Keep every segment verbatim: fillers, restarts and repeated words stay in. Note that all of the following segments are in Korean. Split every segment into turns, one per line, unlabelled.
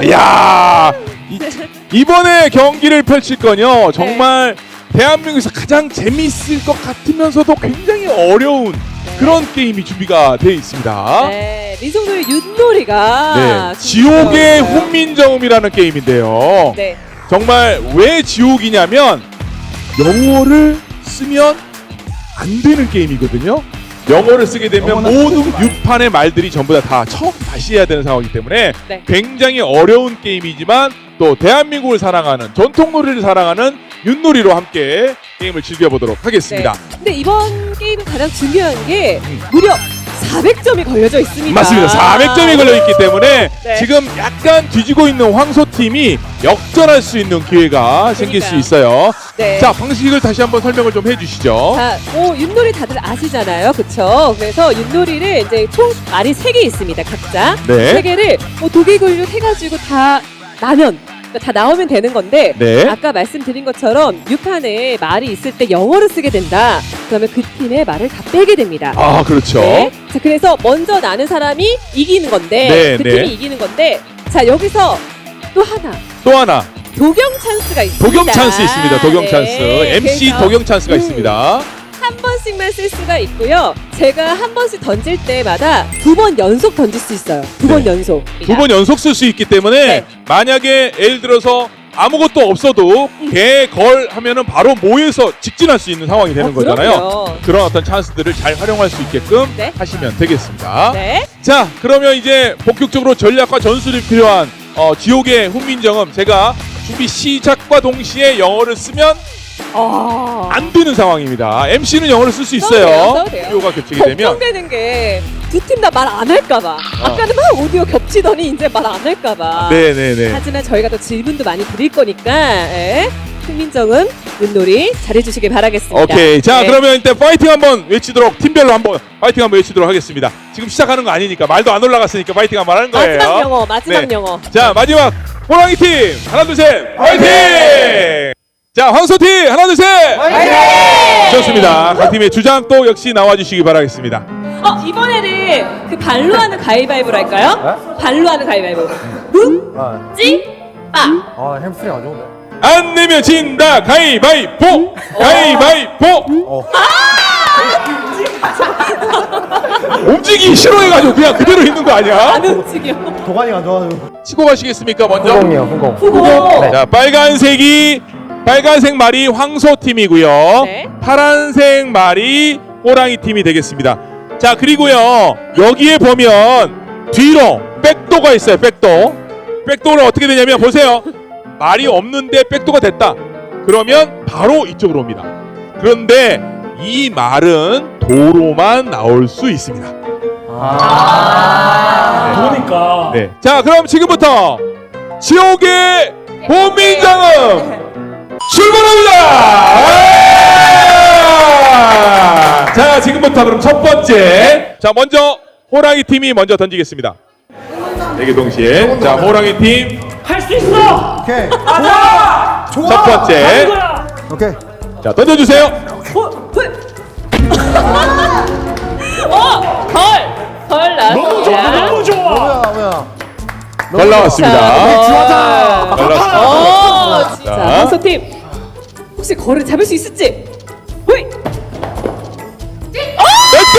야, 이, 이번에 경기를 펼칠 건요 정말 대한민국에서 가장 재미있을 것 같으면서도 굉장히 어려운 그런 게임이 준비가 되어 있습니다.
네, 민속놀이 윷놀이가
네, 지옥의 훈민정음이라는 게임인데요.
네.
정말 왜 지옥이냐면 영어를 쓰면 안 되는 게임이거든요. 영어를 쓰게 되면 모든 유판의 말들이 전부 다, 다 처음 다시 해야 되는 상황이기 때문에
네.
굉장히 어려운 게임이지만 또 대한민국을 사랑하는 전통놀이를 사랑하는 윷놀이로 함께 게임을 즐겨보도록 하겠습니다.
네. 근데 이번 게임은 가장 중요한 게 무려 사백 점이 걸려져 있습니다.
맞습니다. 사백 점이 걸려있기 때문에
네.
지금 약간 뒤지고 있는 황소팀이 역전할 수 있는 기회가 생길 수 있어요.
네.
자, 방식을 다시 한번 설명을 좀 해주시죠.
자, 뭐 윷놀이 다들 아시잖아요, 그렇죠? 그래서 윷놀이를 이제 총 말이 세 개 있습니다, 각자.
네.
세 개를 뭐 도개굴육 해가지고 다 나면 그러니까 다 나오면 되는 건데
네.
아까 말씀드린 것처럼 유판에 말이 있을 때 영어로 쓰게 된다. 그러면 그 팀의 말을 다 빼게 됩니다.
아, 그렇죠.
네. 자, 그래서 먼저 나는 사람이 이기는 건데
네,
그
네.
팀이 이기는 건데 자 여기서 또 하나
또 하나
도경 찬스가 있습니다.
독영 찬스 있습니다. 독영
네.
찬스. 엠씨
그래서
독영 찬스가
음.
있습니다.
한 번씩만 쓸 수가 있고요. 제가 한 번씩 던질 때마다 두 번 연속 던질 수 있어요. 두 번
네.
연속.
두 번 연속 쓸 수 있기 때문에
네.
만약에 예를 들어서 아무것도 없어도 개, 걸 하면은 바로 모여서 직진할 수 있는 상황이 되는
어,
거잖아요.
그럼요.
그런 어떤 찬스들을 잘 활용할 수 있게끔
네.
하시면 되겠습니다.
네.
자, 그러면 이제 본격적으로 전략과 전술이 필요한 어, 지옥의 훈민정음, 제가 준비 시작과 동시에 영어를 쓰면
아.
안 되는 상황입니다. 엠씨는 영어를 쓸 수
써도 돼요,
있어요.
써도 돼요.
오디오가 겹치게 되면.
걱정되는 게 두 팀 다 말 안 할까봐. 아까는 막 오디오 겹치더니 이제 말 안 할까봐.
네네네.
하지만 저희가 또 질문도 많이 드릴 거니까 예. 훈민정음 윷놀이 잘해주시길 바라겠습니다.
오케이. 자,
네.
그러면 이때 파이팅 한번 외치도록, 팀별로 한번 파이팅 한번 외치도록 하겠습니다. 지금 시작하는 거 아니니까, 말도 안 올라갔으니까 파이팅 한번 하는 거예요.
마지막 영어, 마지막
네.
영어.
자, 마지막 호랑이 팀 하나 둘 셋 파이팅! 자, 황소 팀 하나 둘 셋 파이팅! 좋습니다. 각 팀의 주장 또 역시 나와주시기 바라겠습니다.
어 이번에는 그 발로 하는 가위바위보로 할까요? 발로 하는 가위바위보. 묵,
아,
찌, 빠.
아 햄스트링 안 좋은데.
안 내면 진다 가위바위보! 가위바위보!
어.
움직이기 싫어해가지고 그냥 그대로 있는 거 아니야?
안 움직여.
도가니가 안 좋아가지고.
치고 가시겠습니까 먼저?
후공이요, 후공.
후보.
네.
자, 빨간색이 빨간색 말이 황소 팀이고요.
네.
파란색 말이 호랑이 팀이 되겠습니다. 자, 그리고요 여기에 보면 뒤로 백도가 있어요. 백도. 백도는 어떻게 되냐면 보세요. 말이 없는데 백도가 됐다. 그러면 바로 이쪽으로 옵니다. 그런데 이 말은 도로만 나올 수 있습니다.
아.
그러니까.
네. 자, 그럼 지금부터 지옥의 훈민정음 출발합니다. 자, 지금부터 그럼 첫 번째. 자, 먼저 호랑이 팀이 먼저 던지겠습니다. 네 개 동시에. 자, 호랑이 팀
할 수 있어.
오케이.
좋아. 좋아.
첫 번째.
하는 거야.
오케이.
자, 던져주세요.
어, 헐. 어, 걸. 걸
너무 좋아.
나왔습니다.
너무 좋아.
뭐야, 뭐야.
잘 나왔습니다.
지화자.
잘 나왔습니다.
어, 진짜.
자.
황소 팀. 혹시 걸을 잡을 수 있을지? 호이.
렛고!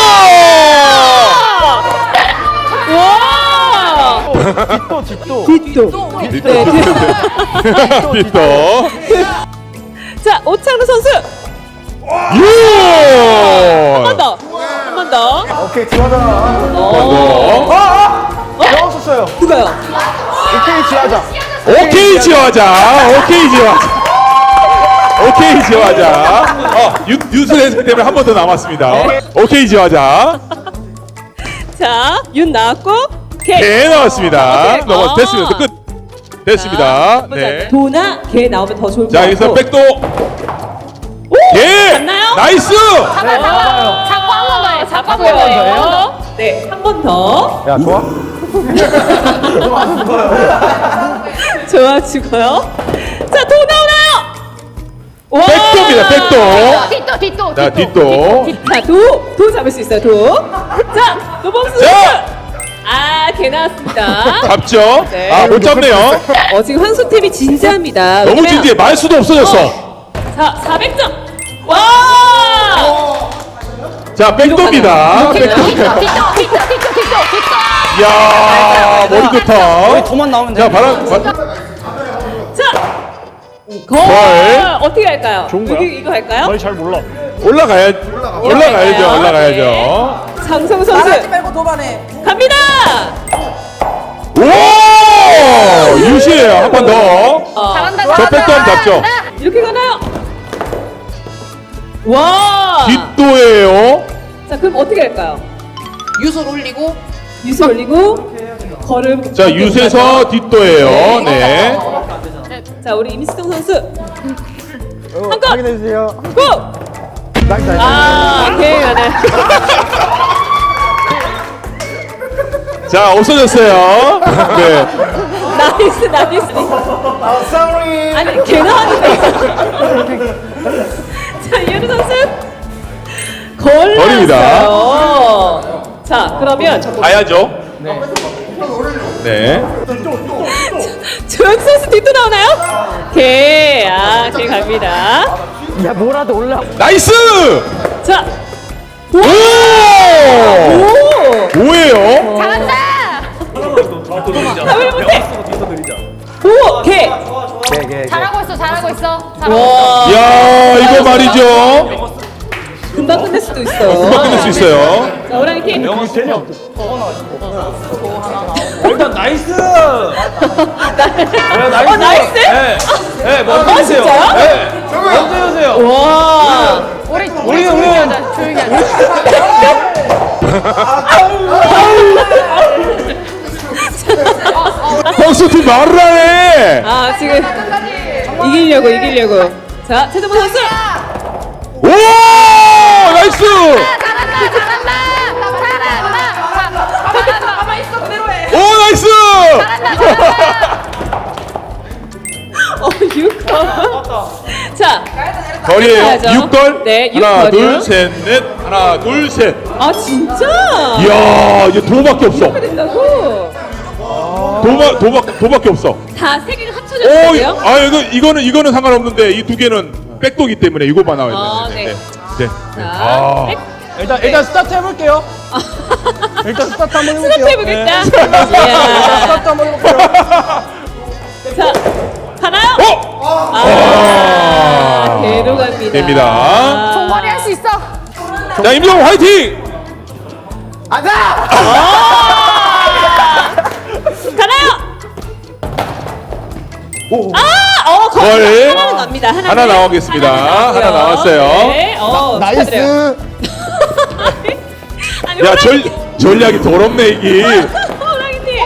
와!
뒷도, 뒷도.
뒷도. 네, 뒷도.
뒷도.
자, 오창루 선수.
유!
한 번 더. 한 번 더.
오케이, 지화자.
어.
영어 썼어요.
누가요?
오케이, 지화자.
오케이 지화자. 오케이 지화자. 오케이 지화자. 어, 유, 뉴스 해석 때문에 한 번 더 남았습니다. 오케이 지화자.
자, 윤 나왔고 개.
개 나왔습니다.
오케이.
넘어
아.
됐습니다. 끝. 됐습니다.
자,
네.
도나 개 나오면 더 좋을 것
자,
같고.
여기서 백도.
오!
개.
맞나요?
나이스.
네, 맞아요.
잡고 한 번 더요. 잡고 한 번 더요. 네, 한 번 더.
야, 좋아?
좋아 죽어요. 자, 도 나오나요? 와!
백도입니다. 백도.
뒷도 뒷도
자, 뒷도.
자, 도, 도 잡을 수 있어요. 도. 자, 노범수
자.
선수. 아, 개 나왔습니다.
잡죠?
네.
아, 못 잡네요.
어, 지금 황소팀이 진지합니다.
너무
왜냐면-
진지해. 말 수도 없어졌어.
자, 사백 점. 와!
자, 백도입니다.
이렇게
백도. 이야, 머리 좋다.
도만 나오면 돼.
자, 바람. 바...
자, 걸.
걸.
어떻게 할까요?
좋은 거야?
여기 이거 할까요?
잘 몰라.
올라가야, 올라가야죠.
할까요?
올라가야죠.
네. 장성 선수
말고 도반해.
갑니다.
오! 유시해요. 한 번 더.
어,
저 백도 한번 잡죠.
이렇게 가나요? 와!
뒷도예요.
자, 그럼 어떻게 할까요?
유술 올리고
유수 올리고 걸음.
자, 유세서 뒷도예요. 네.
자, 우리 임수정 선수 한 건.
확인해주세요.
고!
나이스, 나이스.
아, 오케이, 가네.
자, 없어졌어요. 네.
나이스, 나이스.
아, sorry.
아니, 개 나왔는데. 자, 이현우 선수 걸
걸입니다.
나왔어요. 자, 그러면
가야죠. 네.
조영 선수 뒷도 나오나요? 개, 아, 개 갑니다.
야, 뭐라도 올라.
나이스!
자,
오!
오!
뭐예요?
답을 못해. 오, 개.
개, 개, 개.
잘하고 있어, 잘하고 있어. 잘하고 있어.
와,
야, 이거 말이죠.
금방 끝낼 수도 있어요.
금방 끝낼 수 있어요.
자, 호랑이 팀.
일단 나이스. 네, 나이스.
어, 나이스?
네, 네, 먼저
아,
해주세요.
진짜요?
네, 먼저 해주세요.
와.
우리
우리
우리 조용히
우리
하자, 조용히 하자.
펑스팀 말을 하네.
아, 지금 이기려고, 이기려고. 자, 최정원 선수.
오! 나이스!
잘한다, 잘한다, 잘한다. 잘한다. 가만 있어, 그대로 해.
오, 나이스!
어, 육 건. 자,
거리에요.
가야죠.
육 걸.
네, 육
하나,
걸이요.
둘, 셋, 넷. 하나, 둘, 셋.
아, 진짜?
이야, 이제 도밖에 없어.
된다고?
도마, 도박, 도밖에 없어.
다 세 개가
오,
합쳐졌어요?
아, 이거, 이거는, 이거는 상관없는데, 이 두 개는 백도기 때문에 이거만 나와야
아,
돼.
네.
네.
자,
아.
백.
일단, 일단 스타트 해볼게요. 일단 스타트 한번 해볼게요.
스타트 해보겠다.
네.
이야.
스타트 한번 해볼게요.
자, 가나요?
어!
아, 개로 갑니다.
됩니다.
종머리 할 수 있어.
자, 임종 화이팅!
가자!
가나요? 아, 어, 거의
걸.
하나는 갑니다. 하나는.
하나 나오겠습니다.
나왔고요.
하나 나왔어요.
네, 어, 축하드려요.
나이스!
아니,
야,
호랑이
전,
팀.
전략이 더럽네, 이게.
호랑이 팀.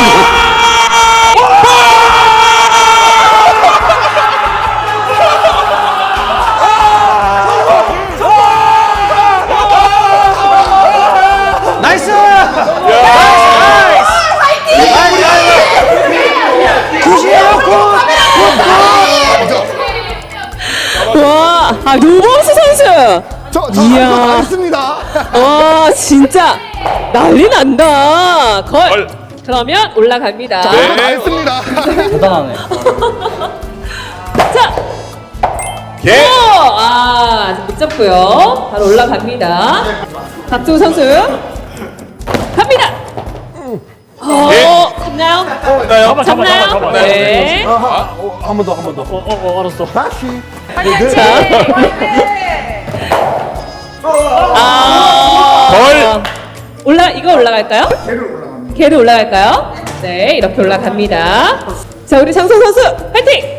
나이스!
와, 아, 노범수 선수.
저, 저
이야.
안 했습니다.
와, 진짜 난리 난다. 걸.
걸.
그러면 올라갑니다.
네.
안 했습니다. 대단하네.
자,
개.
오! 아, 아직 못 잡고요. 바로 올라갑니다. 박종우 선수 갑니다. 어,
네.
잡나요?
나요?
잡나요? 네.
한 번 더, 한 번 더. 어, 어, 어, 알았어. 다시.
자, 아,
걸.
올라 이거 올라갈까요? 개를 올라갈까요? 네, 이렇게 올라갑니다. 자, 우리 장성 선수 파이팅!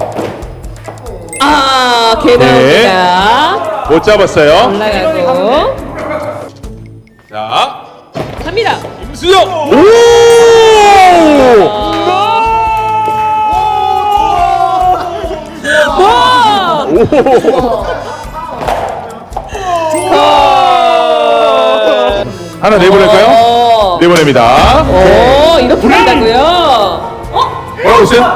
아, 개
네.
나옵니다.
못 잡았어요.
올라가고
자,
갑니다.
임수정. 오!
와!
하나 내보낼까요?
어,
내보냅니다.
어, 이렇게 된다고요? 어?
뭐라고 했어요?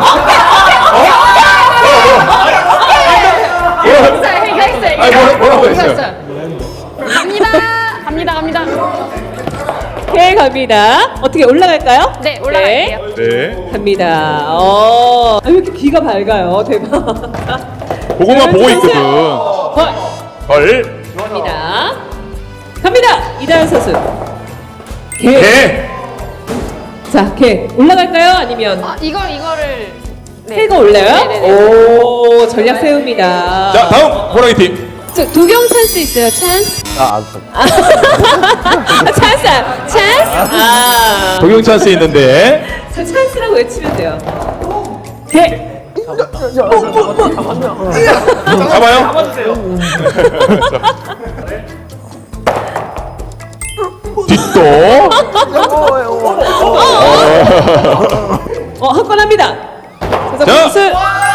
했어요,
아니, 뭐라- 뭐라고 했어요?
갑니다, 갑니다, 갑니다.
개 갑니다. 어떻게 올라갈까요?
네, 올라갈게요.
네.
갑니다. 어, 아, 왜 이렇게 귀가 밝아요? 대박.
그거만 보고
선수.
있거든.
걸.
걸.
갑니다. 갑니다. 이다현 선수. 개.
개.
자, 개 올라갈까요? 아니면
아, 이거 이거를 네.
새가 올라요?
네네네.
오, 전략 세웁니다.
자, 다음 호랑이 팀.
저, 도경 찬스 있어요. 찬스.
아, 아,
아, 찬스. 찬스. 아.
동영 찬스 있는데.
저 찬스라고 외치면 돼요. 개.
잡아요.
잡아주세요.
뒷도.
어, 한 건 합니다.
자.
자, 선수.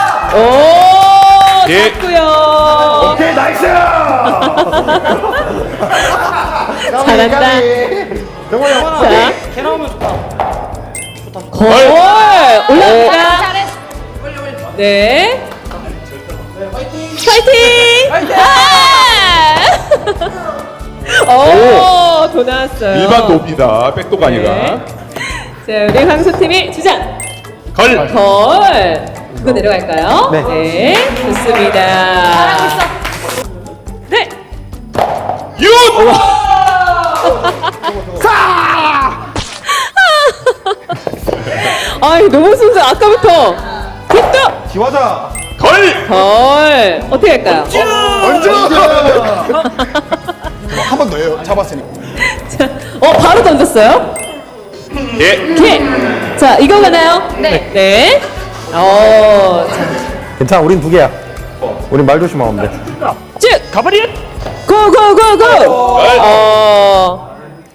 오,
예.
잡고요.
오케이, 나이스!
잘한다. 자,
개 나오면 좋다.
걸. 올라갑니다.
잘했어.
네. 파이팅! 아! 오, 도 나왔어요.
일반 도입니다. 백도가 아니라.
네. 자, 우리 황소팀이 주장.
걸.
걸. 그거 내려갈까요?
네.
좋습니다.
잘하고 있어.
네.
윷.
아이, 너무 순수. 아까부터. 굿도.
기화자.
걸.
걸. 어떻게 할까요?
한 번 더요. 잡았으니까.
자, 어, 바로 던졌어요.
예.
개. 자, 이거 가나요?
네.
네. 어, 자,
괜찮아, 우린 두 개야. 우린 말 조심하면 돼.
쭉.
가버리!
고고고고. 어.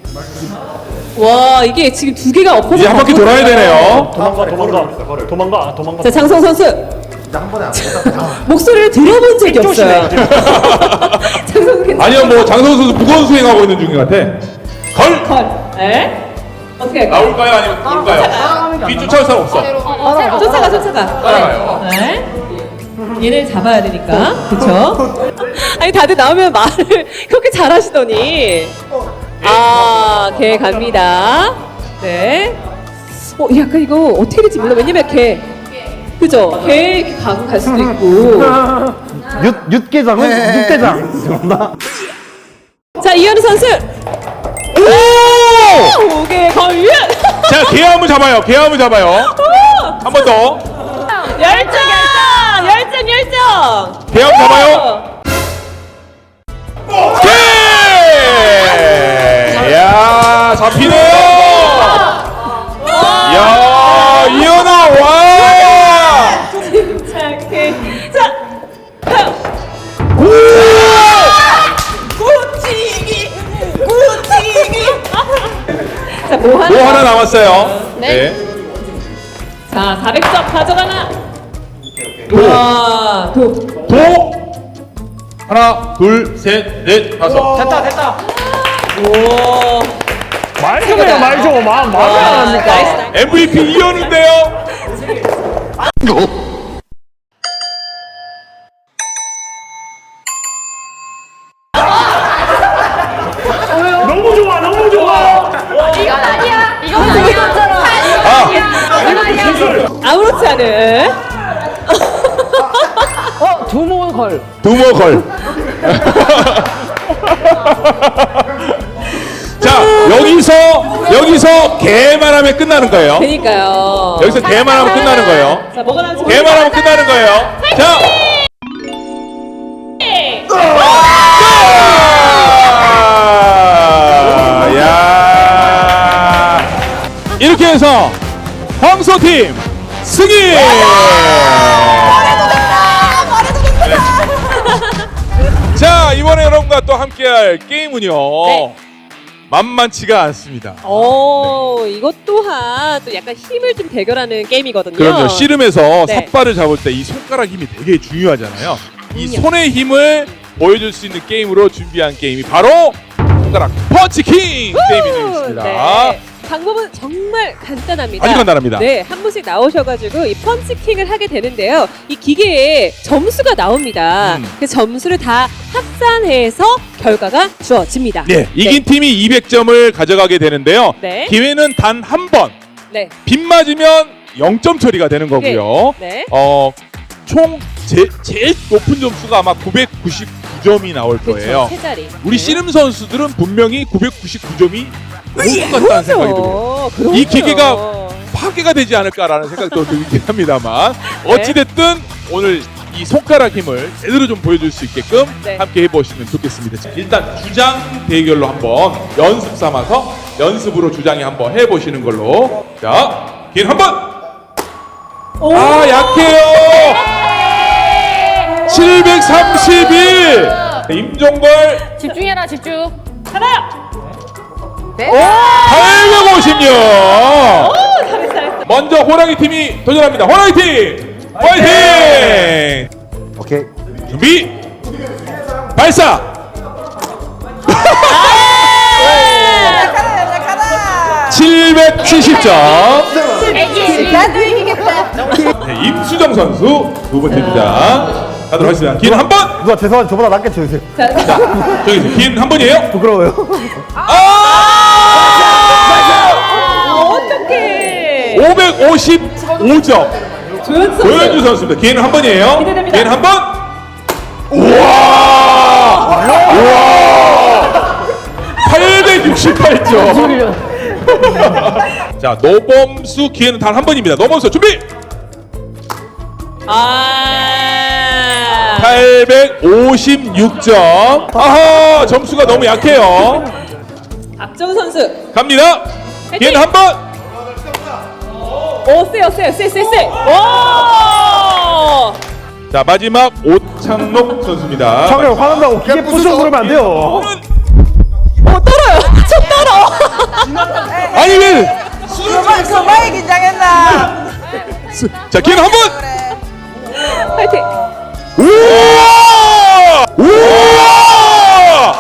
와, 이게 지금 두 개가 엎어서
이제 한 바퀴 돌아야 되네요.
도망가, 도망가. 도망가, 도망가.
자, 장성 선수. 목소리를 들어본 적이 없어요. 장성 선수 괜찮아요?
아니요, 뭐 장성수 선수 무거운 수행하고 있는 중인 것 같아. 걸.
걸. 네. 어떻게 할까요?
나올까요? 아니면 돌까요? 뒤 쫓아올 사람 없어.
어, 새로. 쫓아가, 쫓아가.
따라가요.
네. 얘를 잡아야 되니까. 그쵸? 아니, 다들 나오면 말을 그렇게 잘하시더니. 아, 개 갑니다. 네. 어, 약간 이거 어떻게 될지 몰라. 왜냐면 개. 그죠? 개 이렇게 가고 갈 수도 있고.
윷, 윷게장은 윷대장.
자, 이현우 선수. 오! 오개 걸려.
자, 개함을 잡아요. 개함을 잡아요. 한 번 더.
열정, 열정, 열정, 열정.
개함 잡아요. 오케이! 야, 잡히네요. 야, 이현아 와!
침착해. 자, 다음. 구치기, 구치기. 자, 뭐 하나?
뭐 하나 남았어요.
네.
자, 사백 점 가져가나? 와, 도.
도. 하나, 둘, 셋, 넷, 다섯.
됐다, 됐다.
오.
말 좀 해요, 말 좀. 마, 말을 안
와,
합니까?
나이스, 나이스.
엠브이피 이현우인데요.
너무 좋아, 너무 좋아.
이건 아니야. 이건 아니야. 이건 아니야.
아무렇지 않은.
두모 걸.
두모 걸. 자, 여기서 여기서 개만 하면 끝나는 거예요.
그니까요.
여기서 개만 하면 끝나는 거예요.
자, 뭐가 나올지
개만 하면 끝나는 거예요. 자. 아, 야. 이렇게 해서 황소팀 승리! 자, 이번에 여러분과 또 함께할 게임은요.
네.
만만치가 않습니다.
오, 이것 또한 또 약간 힘을 좀 대결하는 게임이거든요.
그럼요. 씨름에서
네.
삿발을 잡을 때 이 손가락 힘이 되게 중요하잖아요. 이 손의 힘을 보여줄 수 있는 게임으로 준비한 게임이 바로 손가락 펀치킹 게임이 되겠습니다.
네. 방법은 정말 간단합니다.
아주 간단합니다.
네, 한 분씩 나오셔가지고 이 펀치킹을 하게 되는데요. 이 기계에 점수가 나옵니다.
음.
그 점수를 다 합산해서 결과가 주어집니다.
네, 이긴 팀이 이백 점을 가져가게 되는데요.
네.
기회는 단 한 번.
네.
빗 맞으면 영 점 처리가 되는 거고요.
네.
어, 총 제, 제일 높은 점수가 아마 구백구십구 점이 나올 거예요.
그렇죠. 세 자리.
우리
네.
씨름 선수들은 분명히 구백구십구 점이 올 것 같다는 생각이 들어요.
그렇죠.
이 기계가 파괴가 되지 않을까라는 생각도 들긴 합니다만
네.
어찌됐든 오늘 이 손가락 힘을 제대로 좀 보여줄 수 있게끔
네.
함께 해보시면 좋겠습니다. 자, 일단 주장 대결로 한번 연습 삼아서 연습으로 주장에 한번 해보시는 걸로. 자, 긴 한번. 아, 약해요. 칠백삼십일. 임종걸
집중해라 집중.
팔백오십육. 먼저 호랑이 팀이 도전합니다. 호랑이 팀 화이팅!
오케이.
준비 발사. 칠백칠십 점.
나도 이기겠다.
네, 임수정 선수 두 번째 주장 가도록 하겠습니다. 긴 한 번.
누가 죄송한데 저보다 낮게 쳐주세요.
자,
자, 저기 긴 한 번이에요.
부끄러워요.
아!
어떡해.
오백오십오 점.
조현수 선수.
조현주 선수입니다. 긴 한 번이에요.
기대됩니다.
긴 한 번. 우와! 우와! 팔백육십팔 점. 자, 노범수 기회는 단 한 번입니다. 노범수 준비.
아.
팔백오십육 점. 아하, 점수가 너무 약해요.
박정 선수.
갑니다. 기회는 한 번.
오, 세요, 세요, 세, 세, 세. 오!
자, 마지막 오창록 선수입니다.
창현 화난다고 기계 부셔 그러면 안 돼요.
어, 떨어요. 저 떨어.
아니 왜?
그만 그만 긴장했나?
자, 기회는 한 번.
파이팅.
우와! 우와!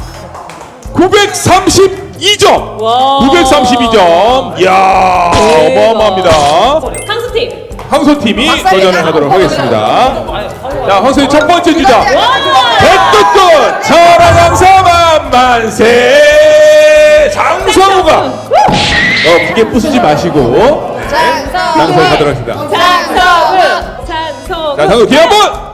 구백삼십이 점.
와.
구백삼십이 점. 이야, 어마어마합니다.
상수 팀.
황소 팀이 도전을 하도록 하겠습니다. 자, 황소의 첫 번째 주자. 백두꽃 천하장사 만만세. 장성우가 어, 기계 부수지 마시고 장성우 가도록 하겠습니다.
장성우. 장성우.
자, 장성우 기회 한 번.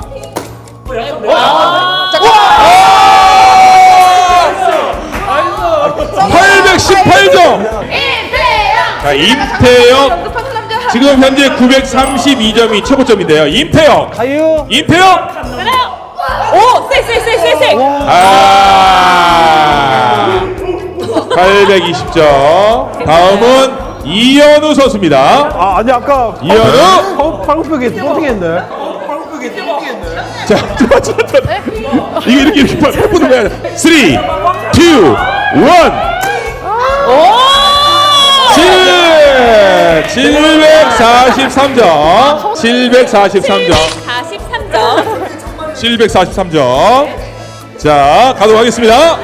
팔백십팔 점. 자, 임태영 지금 현재 구백삼십이 점이 최고점인데요. 임태영,
가유.
임태영.
오, 세, 세, 세, 세, 세.
아, 팔백이십 점. 다음은 이현우 선수입니다.
아 아니 아까
이현우.
팔굽혀기 뽀팅했네.
자, 잠깐, 잠깐. 이거 이렇게 이렇게 팔 보는 거야. 삼, 이, 일. 칠백사십삼 점. 칠백사십삼 점.
사십삼 점.
칠백사십삼 점. 자, 가도록 하겠습니다.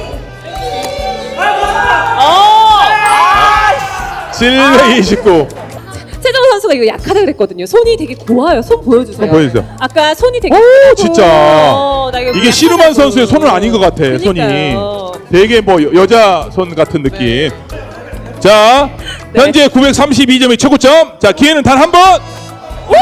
칠백이십구.
최정우 선수가 이거 약하다 그랬거든요. 손이 되게 고와요. 손 보여주세요.
손 보여주세요.
아까 손이 되게.
오,
크고.
진짜.
어, 나 이거
이게 씨름한 선수의 손은 아닌 것 같아. 손이
그러니까요.
되게 뭐 여- 여자 손 같은 느낌. 자,
네.
현재 구백삼십이 점이 최고점. 자, 기회는 단 한 번.
오!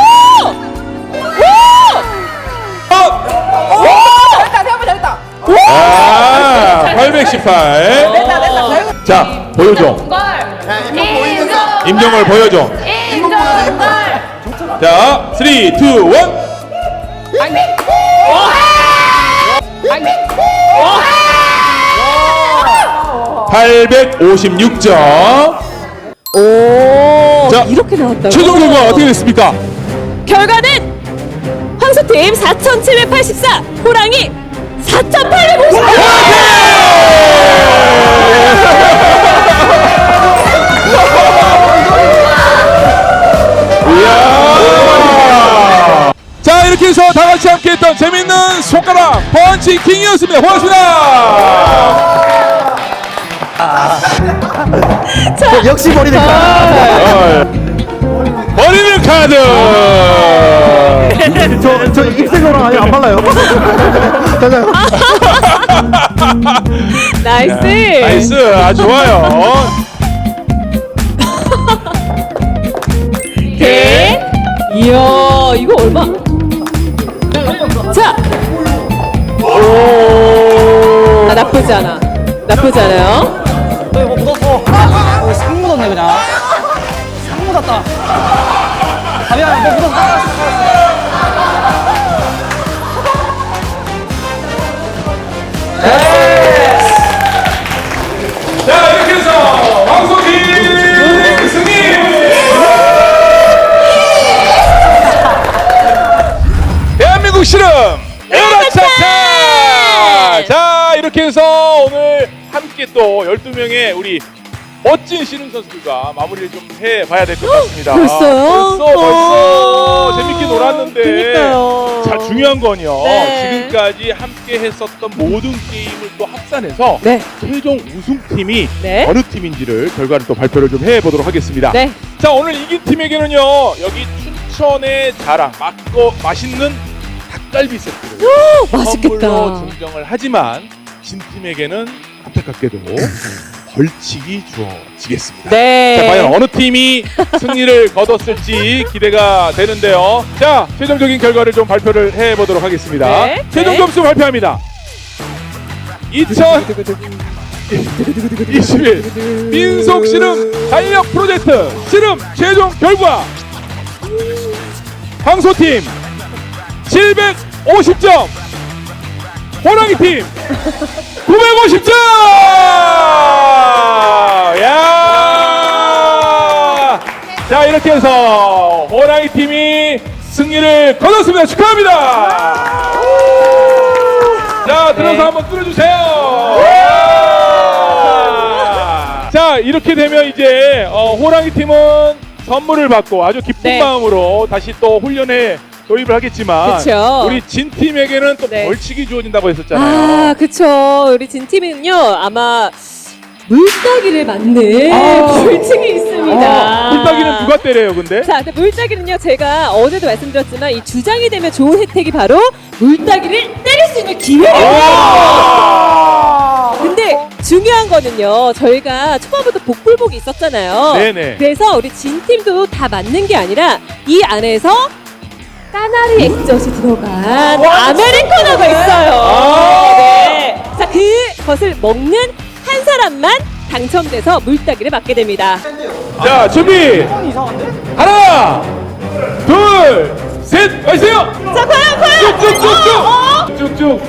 어!
됐다 대박 됐다.
아, 팔백십팔.
됐다 됐다 결국
자, 보여줘. 임정을 보여줘. 자, 삼, 이, 일. 팔백오십육 점.
오.
자,
이렇게 나왔다고.
최종 결과 어떻게 됐습니까?
결과는 황소팀 사천칠백팔십사, 호랑이 사천팔백오십.
이야. 자, 이렇게 해서 다 같이 함께 했던 재밌는 손가락 펀치킹이었습니다. 고맙습니다.
자,
역시 버리는 카드.
버리는 카드.
저, 저 입생로랑 아예 안 발라요. 자자.
나이스.
나이스. 아 좋아요.
개. 이야, 이거 얼마? 자,
오.
아, 나쁘지 않아. 나쁘지 않아요.
어, 이거 묻었어. 어, 상 묻었네 그냥. 상 묻었다. 가비야, 뭐 묻었어.
자 이렇게 해서 왕소팀 승리. 대한민국 씨름 오락차차. 자 이렇게 해서 오늘 함께 또 열두 명의 우리 멋진 씨름 선수들과 마무리를 좀 해봐야 될 것 같습니다.
벌써요?
벌써 벌써
어,
재밌게 놀았는데.
그러니까요.
자 중요한 건요.
네.
지금까지 함께 했었던 모든 게임을 또 합산해서
네.
최종 우승팀이
네.
어느 팀인지를 결과를 또 발표를 좀 해보도록 하겠습니다.
네.
자 오늘 이긴 팀에게는요 여기 춘천의 자랑 맛고 맛있는 닭갈비 세트를
맛있겠다.
선물로 증정을 하지만 진 팀에게는 안타깝게도 벌칙이 주어지겠습니다.
네.
자 과연 어느 팀이 승리를 거뒀을지 기대가 되는데요. 자 최종적인 결과를 좀 발표를 해보도록 하겠습니다.
네.
최종
네.
점수 발표합니다. 이천이십일 민속 씨름 달력 프로젝트 씨름 최종 결과 황소팀 칠백오십 점, 호랑이팀 구백오십 점! 야! 자 이렇게 해서 호랑이팀이 승리를 거뒀습니다. 축하합니다. 자 들어서
네.
한번 뚫어주세요. 자 이렇게 되면 이제 어, 호랑이팀은 선물을 받고 아주 기쁜
네.
마음으로 다시 또 훈련에 도입을 하겠지만
그쵸.
우리 진 팀에게는 또
네.
벌칙이 주어진다고 했었잖아요.
아, 그쵸. 우리 진 팀은요, 아마 물따기를 맞는
아.
벌칙이 있습니다.
어, 물따기는 누가 때려요, 근데?
자, 근데 물따기는요, 제가 어제도 말씀드렸지만 이 주장이 되면 좋은 혜택이 바로 물따기를 때릴 수 있는 기회예요. 근데 중요한 거는요, 저희가 초반부터 복불복이 있었잖아요.
네네.
그래서 우리 진 팀도 다 맞는 게 아니라 이 안에서 까나리 액젓이 들어간 아메리카노가 있어요.
아.
네. 자, 그것을 먹는 한 사람만 당첨돼서 물따기를 맞게 됩니다.
자, 준비! 하나, 둘, 셋, 마세요!
자, 과연, 과연!
쭉쭉쭉쭉! 쭉쭉!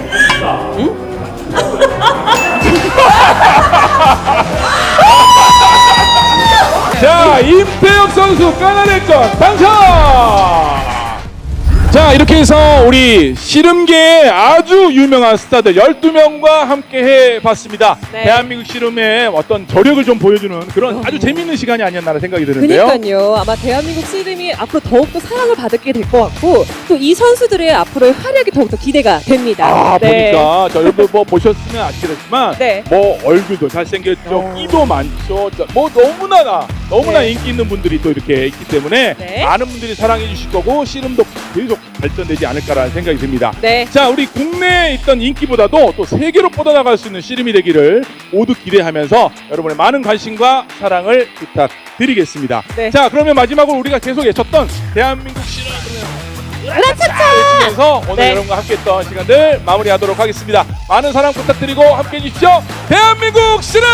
자, 임태혁 선수 까나리전 당첨! 자 이렇게 해서 우리 씨름계의 아주 유명한 스타들 열두 명과 함께 해봤습니다.
네.
대한민국 씨름의 어떤 저력을 좀 보여주는 그런 아주 재밌는 시간이 아니었나 생각이 드는데요.
그러니까요. 아마 대한민국 씨름이 앞으로 더욱더 사랑을 받게 될 것 같고 또 이 선수들의 앞으로의 활약이 더욱더 기대가 됩니다.
아
네.
보니까 저 여러분 뭐 보셨으면 아시겠지만
네.
뭐 얼굴도 잘생겼죠, 끼도 많죠, 저- 뭐 너무나 나 너무나
네.
인기 있는 분들이 또 이렇게 있기 때문에
네.
많은 분들이 사랑해 주실 거고 씨름도 계속 발전되지 않을까라는 생각이 듭니다.
네.
자 우리 국내에 있던 인기보다도 또 세계로 뻗어나갈 수 있는 씨름이 되기를 모두 기대하면서 여러분의 많은 관심과 사랑을 부탁드리겠습니다.
네.
자 그러면 마지막으로 우리가 계속 외쳤던 대한민국 씨름
라차차!
외치면서 오늘
네.
여러분과 함께했던 시간들 마무리하도록 하겠습니다. 많은 사랑 부탁드리고 함께해 주십시오. 대한민국 씨름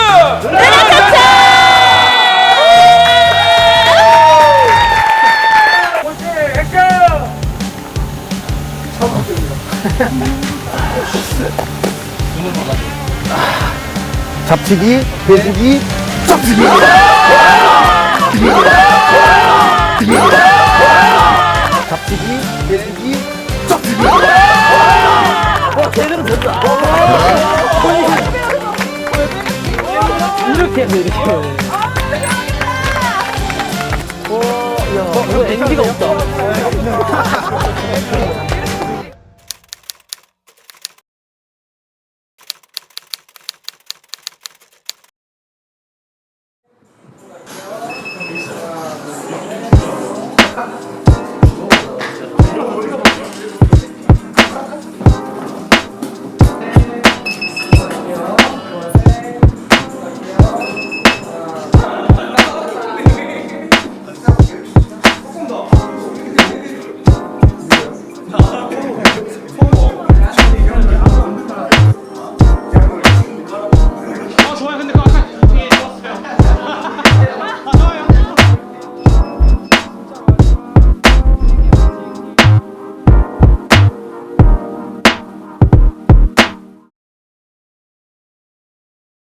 잡치기, 배지기, 짝치기.